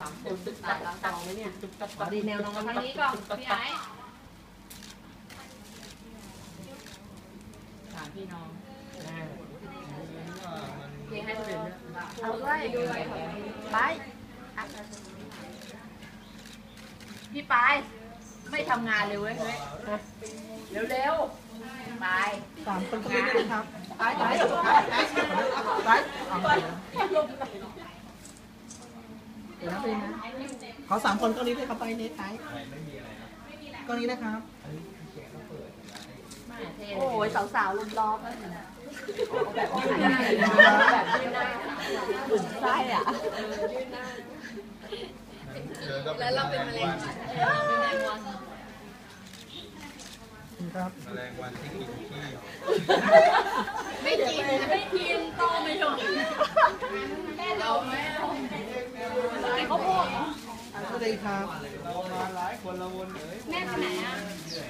ตึกตัดตองไหมเนี่ยดีแนวน้องทางนี้ก่อนพี่ไอ้ถามพี่น้องเพียงให้คนอื่นเอาด้วยไปพี่ปายไม่ทำงานเลยเว้ยเร็วๆไป 3 คนก็ไม่ได้ครับไปเดี๋ยวนะไปนะขอ3 คนก็นี้เลยครับไปเน็ตไทยก็นี้นะครับโอ้ยสาวๆลุมล้อมเลยแบบยืนหน้าแบบยืนหน้าอุ่นไส้อ่ะแล้วเราเป็นแมลงวันครับแมลงวันที่กินขี้ไม่กินโตไม่ชมเราไม่เขาพูดสวัสดีครับเรามาหลายคนละวนเลยแม่ไปไหนอ่ะ